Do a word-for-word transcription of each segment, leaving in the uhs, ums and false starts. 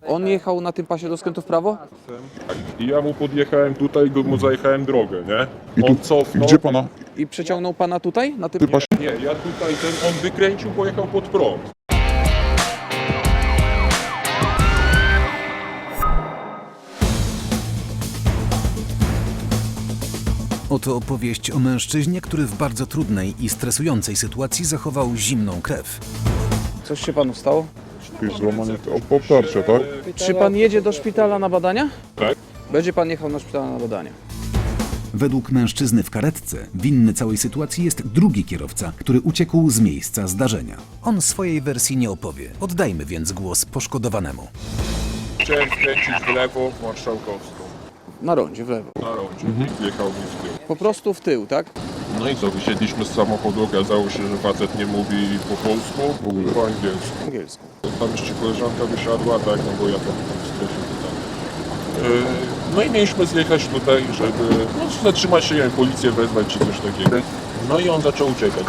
On jechał na tym pasie do skrętu w prawo? I ja mu podjechałem tutaj, go- mu zajechałem drogę, nie? I tu, On cofnął. gdzie pana? I przeciągnął pana tutaj? Na tym Ty pasie? Nie, ja tutaj, ten, on wykręcił, pojechał pod prąd. Oto opowieść o mężczyźnie, który w bardzo trudnej i stresującej sytuacji zachował zimną krew. Coś się panu stało? Jakieś złamanie o- obtarcia, tak? Czy pan jedzie do szpitala na badania? Tak? Będzie pan jechał do szpitala na badania. Według mężczyzny w karetce winny całej sytuacji jest drugi kierowca, który uciekł z miejsca zdarzenia. On swojej wersji nie opowie. Oddajmy więc głos poszkodowanemu. Chciałem skręcić w lewo w Marszałkowską. Na rondzie, w lewo. Na rondzie. Wjechał mi w tył. Po prostu w tył, tak? No i co, wysiedliśmy z samochodu, okazało się, że facet nie mówi po polsku, w ogóle po angielsku. Po angielsku. Tam jeszcze koleżanka wysiadła, tak, no bo ja tam tam w stresie tutaj. Yy, No i mieliśmy zjechać tutaj, żeby no, zatrzymać się, nie wiem, policję wezwać czy coś takiego. No i on zaczął uciekać.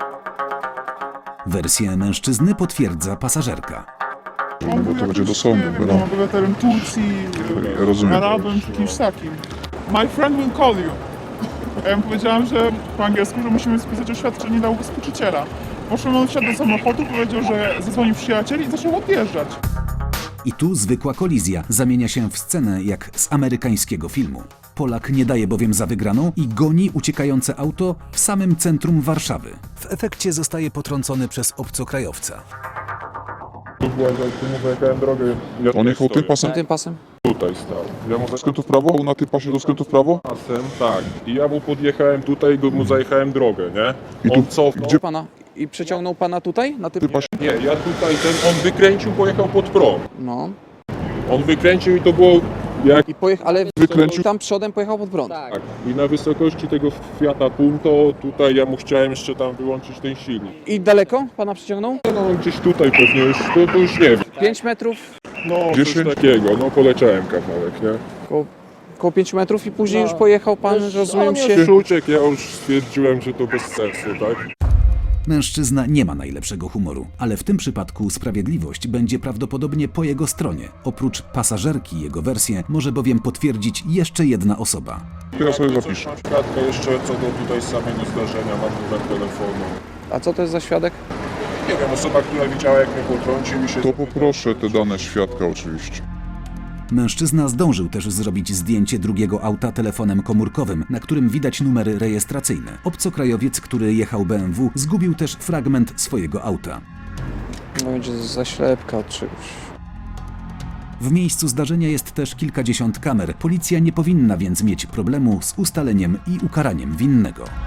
Wersję mężczyzny potwierdza pasażerka. Bo to będzie do sądu, No, wiadomo. obywatelem Turcji, Ja rozumiem. Arabem czy kimś takim. My friend will call you. Ja mu powiedziałam, że po angielsku, że musimy spisać oświadczenie dla ubezpieczyciela. Poszedł, on wsiadł do samochodu, powiedział, że zadzwonił przyjaciel i zaczął odjeżdżać. I tu zwykła kolizja zamienia się w scenę jak z amerykańskiego filmu. Polak nie daje bowiem za wygraną i goni uciekające auto w samym centrum Warszawy. W efekcie zostaje potrącony przez obcokrajowca. Tu była, jak tu mu zajechałem drogę. Ja On jechał tym stoję. pasem? Tym pasem? Tutaj stał. Ja mu Do skrętu w prawo? Na tym pasie do skrętu w prawo? pasem, tak. I ja mu podjechałem tutaj, go- mu zajechałem drogę, nie? I tu, On cofnął. gdzie Pana. I przeciągnął pana tutaj? Na tym... ty pasie? Nie, ja tutaj, ten, on wykręcił, pojechał pod prąd. No. On wykręcił i to było jak... I pojechał, ale Wykręcił? tam przodem pojechał pod prąd. Tak. I na wysokości tego Fiata Punto, tutaj ja mu chciałem jeszcze tam wyłączyć ten silnik. I daleko pana przeciągnął? No gdzieś tutaj pewnie już, to, to już nie wiem. pięć metrów, No Dziesięć? coś takiego, no poleciałem kawałek, nie? koło, koło pięć metrów i później już pojechał pan, rozumiem się... Już uciekł, ja już stwierdziłem, że to bez sensu, tak? Mężczyzna nie ma najlepszego humoru, ale w tym przypadku sprawiedliwość będzie prawdopodobnie po jego stronie. Oprócz pasażerki jego wersję może bowiem potwierdzić jeszcze jedna osoba. To ja sobie Coś zapiszę. na świadka jeszcze co do tutaj samego zdarzenia, mam numer telefonu. A co to jest za świadek? Nie wiem, osoba, która widziała jak mnie potrącił i się... To poproszę te dane świadka oczywiście. Mężczyzna zdążył też zrobić zdjęcie drugiego auta telefonem komórkowym, na którym widać numery rejestracyjne. Obcokrajowiec, który jechał B M W, zgubił też fragment swojego auta. No będzie zaślepka od czegoś. W miejscu zdarzenia jest też kilkadziesiąt kamer. Policja nie powinna więc mieć problemu z ustaleniem i ukaraniem winnego.